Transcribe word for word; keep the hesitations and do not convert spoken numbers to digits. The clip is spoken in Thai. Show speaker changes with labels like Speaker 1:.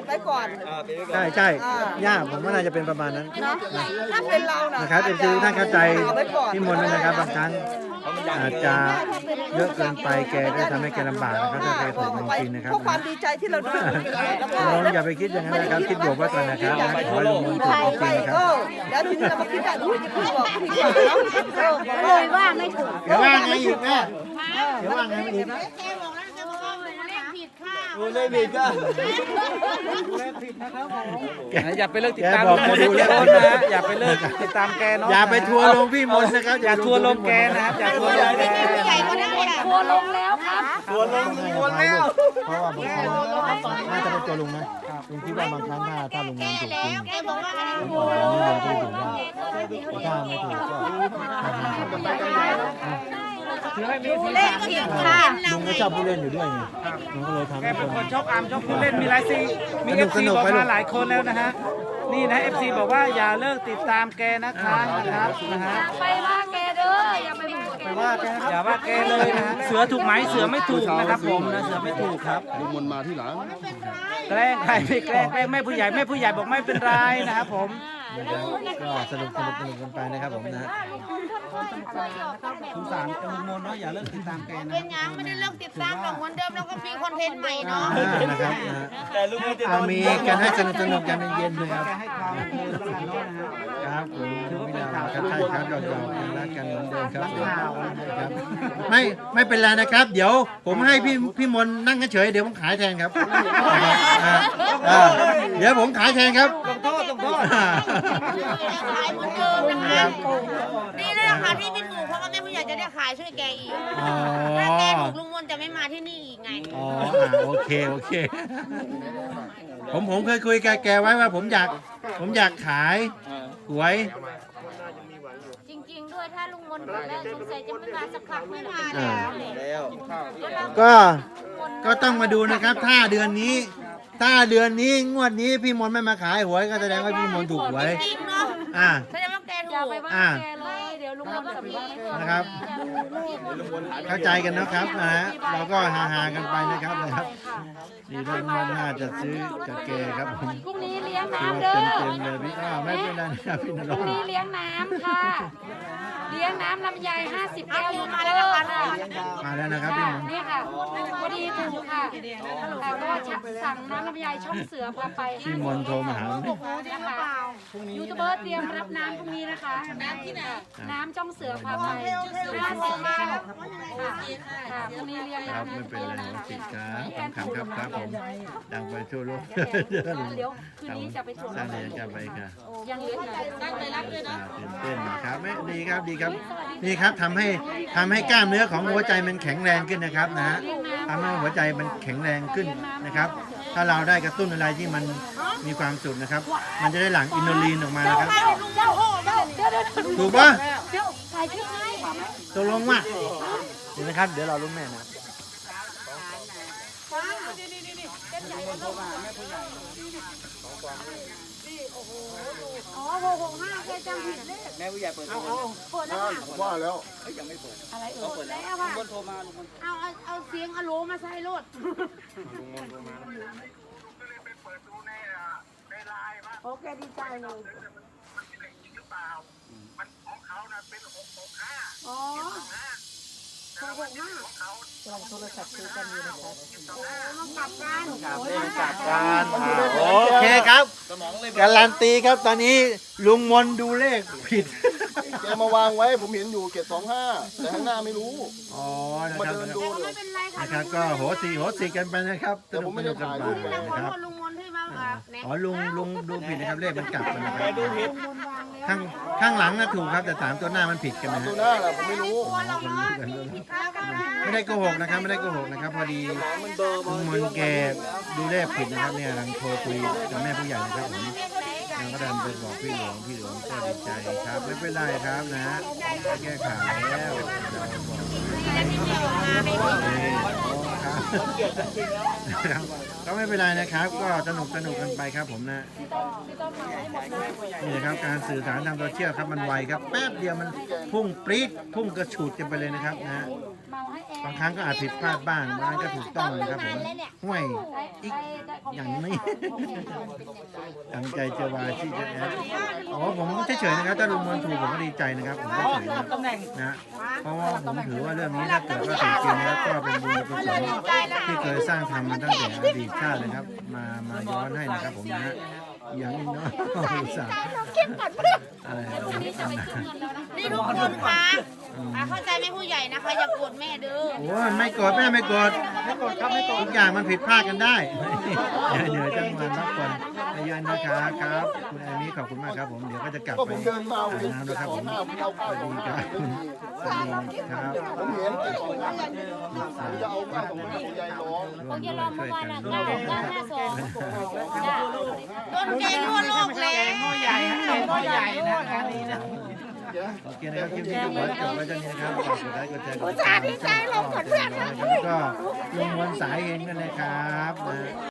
Speaker 1: ไว้ก่อน
Speaker 2: ใช่ใช่ย่าผมว่าน่าจะเป็นประมาณนั้น
Speaker 1: เนาะถ้าเป็นเรานะ
Speaker 2: นะครับเอฟซีท่านเข้าใจ
Speaker 1: เอาไว้ก่อน
Speaker 2: พี่มนต์ด้วยนะครับบางครั้งอาจจะเยอะเกินไปแกก็ทำให้แกลำบากนะครับถ้าแกถูกจริงๆนะครับ
Speaker 1: เพราะความดีใจที่เราดูแล้วก็
Speaker 2: น้องอย่าไปคิดอย่างนั้นนะครับคิดบวกไว้ก่อนนะครับขอให้ลุงมนต์ถูกจริงๆนะครับ
Speaker 1: แล้วทีนี้เรามาคิดว่าอุ้ยจะพูดบอกดีกว่าเนาะ
Speaker 3: เลยว่าไม่ถูก
Speaker 2: เดี๋ยวว่าไงอีกแม่เดี๋ยวว่าไงอีก
Speaker 4: ดูเลยบิดก็
Speaker 5: อย่าไปเลิกติด
Speaker 2: แก
Speaker 5: ตาม
Speaker 2: บอกจะดูแล
Speaker 5: โน้นนะอย่าไปเลิกติดตามแกเนาะ
Speaker 2: อย่าไปทัวร์ลงพี่มนต์นะครับ
Speaker 5: อย่าทัวร์ลงแกนะครับอย่าทัวร์ลงแก
Speaker 3: ทัวร์ลงแล้วครับ
Speaker 4: ตัวลงตัวแล้ว
Speaker 2: เพราะว่าบางครั้งน่าจะเป็นตัวลุงนะลุงคิดว่าบางครั้งถ้าถ้าลุงมนต์ถูกจริง
Speaker 3: แกบอกว่า
Speaker 2: ผมบอกว่านี่เราก็ถูกได้ถ้าไม่ถูกก็
Speaker 5: ถือให้มีสี
Speaker 3: เล่น
Speaker 5: สัน
Speaker 3: ผิดค่ะ
Speaker 2: ลุงก็ชอบผู้เล่นอยู่ด้วยไงลุงก็เลยทำ
Speaker 5: แก
Speaker 2: ให้ค
Speaker 5: เป็น
Speaker 2: น
Speaker 5: คนชอบอามชอบผู้เล่นมีหลายซีมี
Speaker 2: ส
Speaker 5: เอ
Speaker 2: นุ
Speaker 5: ฟ
Speaker 2: ก
Speaker 5: ซี
Speaker 2: สนุก
Speaker 5: บอก
Speaker 2: ไปลู
Speaker 5: มาก หลายคนแล้วนะฮะนี่นะเอฟซีบอกว่าอย่าเลิกติดตามแกนะคะนะครับนะฮะ
Speaker 3: ไปว่าแกเด้ออย่าไปบอกแก
Speaker 2: ว่าแก
Speaker 5: อย่าว่าแกเลยนะฮะเสือถูกไหมเสือไม่ถูกนะครับผมนะเสือไม่ถูกครับ
Speaker 4: ลุงมนมาที่หลัง
Speaker 5: แกล้งใครไม่แกล้งแกล้งแม่ผู้ใหญ่แม่ผู้ใหญ่บอกไม่เป็นไรนะครับผม
Speaker 2: ก็สนุกสนุกสนุกกันไปนะครับผมนะ
Speaker 5: สงสารลุงมนเนาะอย่าเลิกติดตามแกนะ
Speaker 3: เป็นยังไม่ได้เลิกติดตามหรอกเหมือนเดิมแล้วก็มีคอนเทนต์ใหม่เนาะ
Speaker 2: นะครับนะฮะ
Speaker 4: แต่ลุงมนจะ
Speaker 2: เอามีกันให้สนุกสนุกกันเย็นๆเลยครับ
Speaker 5: แกให้ความบันเทิงแล้วกันเนาะนะฮะ
Speaker 2: ครับผมถือว่าเป็นข่าวครับใช่ครับหยอกๆกันรักกันเหมือนเดิมครับครับไม่ไม่เป็นไรนะครับ เดี๋ยวผมให้พี่พี่มนต์นั่งเฉยๆเดี๋ยวผมขายแทนครับอ่าอ่าเดี๋ยวผมขายแทนครับ
Speaker 5: ต้องโทษต้องโทษ
Speaker 3: ขายเหมือนเดิมนะคะดีเลยนะคะที่ไม่ถูกเพราะว่าแม่ผู้ใหญ่จะได้ขายช่วยแกอีก
Speaker 2: อ๋อ
Speaker 3: ถ้าแกถูกลุงมนจะไม่มาที่นี่อีกไง
Speaker 2: อ๋ออ่าโอเคโอเค ผมผมเคยคุยกับแกไว้ว่าผมอยากผมอยากขายหวย
Speaker 3: จริงๆด้วยถ้าลุงมนถูกแล้วสงสัยจะไม่มาสักครั้งไม่มา
Speaker 2: อ่า
Speaker 4: แล้ว
Speaker 2: ก็ก็ต้องมาดูนะครับ ถ้าเดือนนี้ ถ้าเดือนนี้งวดนี้พี่มนต์ไม่มาขายหวยก็แสดงว่าพี่มนต์ถูกหวย
Speaker 3: จริงเนาะ
Speaker 2: อ่า
Speaker 3: แสดงว่าแกถู
Speaker 6: อย่าก ไปว่า
Speaker 2: อ่า
Speaker 6: แกเลย เดี๋ยวลุงมนต์จะมี
Speaker 2: นะครับ เข้าใจกันนะครับนะฮะเราก็ฮาๆกันไปนะครับนะครับดีท่านวันหน้าจะซื้อกับแกครับผม
Speaker 6: พรุ่งนี้เลี้ยง
Speaker 2: คือ
Speaker 6: น้ำ
Speaker 2: ว่า
Speaker 6: เด้อ
Speaker 2: เต็มๆเลยพี่อ้าวไม่เป็นไรนะครับพี่น
Speaker 6: พ
Speaker 2: ร
Speaker 6: รุ่ง
Speaker 2: ง
Speaker 6: นี้
Speaker 2: ค์
Speaker 6: เลี้ยงน้ำค่ะ เลี้ยงน้ำลำไยห้าสิบแก้ว
Speaker 3: มาแล้วนะคะ
Speaker 2: มาแล้วนะครับพี่มนต์
Speaker 6: นี่ค่ะพอดีถูกค่ะแต่ก็สั่งน้ำลำไยช่องเสือพาไป
Speaker 2: พี่มนต์โทรมาหา
Speaker 6: นะคะยูทูบเบอร์เตรียมรับน้ำพรุ่งนี้นะคะ น้ำที่ไหนน้ำช่องเสือพาไปห้าสิบแก้วค่ะค่ะพรุ่งนี้เลี้ยง
Speaker 2: ครับ
Speaker 6: น้ำ
Speaker 2: ไม่เป็นไรหัวติดครับขำๆครับครับผมดังไปทั่วโลก
Speaker 6: เดี๋ยวคืนนี้จะไปสวน
Speaker 2: สร้างเรียนจะไปค่ะ
Speaker 6: ยังเหลืออีกตั้งใจรับเลย
Speaker 2: อ่า
Speaker 6: เนาะ
Speaker 2: ตื่นเต้นนะครับไม่ดีครับดีครับนี่ครับทำให้ทำให้กล้ามเนื้อของหัวใจมันแข็งแรงขึ้นนะครับนะฮะทำให้หัวใจมันแข็งแรงขึ้นนะครับ ถ้าเราได้กระตุ้นอะไรที่มันมีความสุขนะครับ มันจะได้หลั่งอินโนลีนออกมานะครับ ถูกปะ
Speaker 6: เดี๋ยวถ่ายคลิปให้ขอไหม
Speaker 2: ตกลงว่าเดี๋ยวนะครับ เดี๋ยวเราลุ้นแม่นะ
Speaker 6: อ๋อหกหกห้าแกจำผิดเลข
Speaker 5: แม่ผู้ใหญ่เปิดโทร
Speaker 6: เปิดแล้วค่ะ
Speaker 4: ว่าแล้ว
Speaker 5: ยังไม่เปิด
Speaker 6: อะไรเอ่ย
Speaker 5: เปิดแล้ว
Speaker 6: แล้วค่ะ
Speaker 5: ลุงมนโทรมาลุงมน
Speaker 3: เอาเอาเอาเสียงอะโหลมาใส่รถ
Speaker 6: โอเคดีใจเลยอ๋อหกหกห้าลองโทรศัพท์ซื้อกันอยู่นะคะ
Speaker 3: ต้องกลับกัน
Speaker 2: การโอเคครับการันตีครับตอนนี้ลุงมนดูเลขผิด
Speaker 4: แกมาวางไว้ผมเห็นอยู่เกตสองห้าแต่ข้างหน้าไม่รู้
Speaker 2: อ๋อนะ
Speaker 4: มา
Speaker 2: ครับ
Speaker 4: เดินดูเล
Speaker 3: ไม่
Speaker 4: ย
Speaker 3: เป็นไรค่ะ
Speaker 2: นะครับก็โหสีโหสีกันไปนะครับ
Speaker 4: แต่ผมไม่ได้ถ่ายรูป
Speaker 2: สนุกสนุกกันไปนะครับ
Speaker 3: ขอโทษลุงมนที่มาแบบแหน
Speaker 2: อ๋อลุงลุงดูผิดนะครับเลขมันกลับกันนะครับข้างข้างหลังน่ะถูกครับแต่สามตัวหน้ามันผิดกันนะฮะ
Speaker 4: ตัวหน้าแหละผมไม่รู้
Speaker 2: ไม่ได้โกหกนะครับไม่ได้โกหกนะครับพอดีลุงมนแกดูเลขผิดนะครับเนี่ยกำลังโทรคุยกับแม่ผู้ใหญ่นะครับผมแล้วก็ดันไปบอกพี่หลวงพี่หลวงก็ดีใจครับไม่เป็นไรครับนะฮะแก้ข่าวแล้วเราบอกครับก็ไม่เป็นไรนะครับ ก็สนุกสนุกกันไปครับผมนะนี่นะครับการสื่อสารทางโซเชียลครับมันไวครับแป๊บเดียวมันพุ่งปรี๊ดพุ่งกระฉูดกันไปเลยนะครับนะ
Speaker 6: เมาให้แอน
Speaker 2: บางครั้งก็อาจผิดพลาดบ้างบางครั้งก็ถูกต้องนะครับผมห่วยอีกอย่างนี้ตั้งใจจะวาที่จะแอดอ๋อผมเฉยๆนะครับถ้าลุงมวลถูกผมก็ดีใจนะครับผมก็เฉยนะนะเพราะว่าผมถือว่าเรื่องนี้ถ้าเกิดว่าถูกจริงนะครับก็เป็นบุญกุศลที่เคยสร้างทำมาตั้งแต่อดีตชาตินะครับ มามาย้อนให้นะครับผมนะฮะอย่างนี้เนาะอุตส่าห์อะไร
Speaker 6: นี่จะไปขึ้นเงินแล้วนะคะ
Speaker 3: นี่ทุกคนคะอ่ะเข้าใจไหมผู้ใหญ่นะคะอย่าโกรธแม่เด้อ
Speaker 2: โอ้ยไม่โกรธแม่ไม่โกรธไม่โกรธครับไม่โกรธทุกอย่างมันผิดพลาดกันได้เดี๋ยวจะมารับคนเยอะนะครับครับคุณแอมี่ขอบคุณมากครับผมเดี๋ยวก็จะกลับ
Speaker 4: ก็
Speaker 2: ไป
Speaker 4: ผมเดินมา
Speaker 2: อาบ
Speaker 4: เห็น
Speaker 2: น้ำ
Speaker 4: เจ็
Speaker 2: แล้ว
Speaker 4: ด
Speaker 2: ครับ
Speaker 4: ส
Speaker 2: ผ
Speaker 4: อง
Speaker 2: ม
Speaker 4: ห้าผมเอา
Speaker 2: ส
Speaker 4: เก้า
Speaker 2: วัสดีครับสวัสดีครับ
Speaker 4: ผมเห็นเจ็ดสองห้าผมจะเอาเก้าสองห้าของยายร้อง
Speaker 2: ร่วมด้วยช่วยกัน
Speaker 3: ต้นแกงทั่วโลกแล้
Speaker 5: แก
Speaker 3: ว
Speaker 5: งหม้อใหญ่ฮะแกงหม้อใหญ่นะคะนี่นะ
Speaker 2: โอเคนะครับคลิปนี้ก็ขอจบไว้ตรงนี้นะครับฝากกดไลค์กดแชร์กดติดตามดีใจลงกดเพื่อนแล้วก็ลงวันสายเองกันนะครับนะ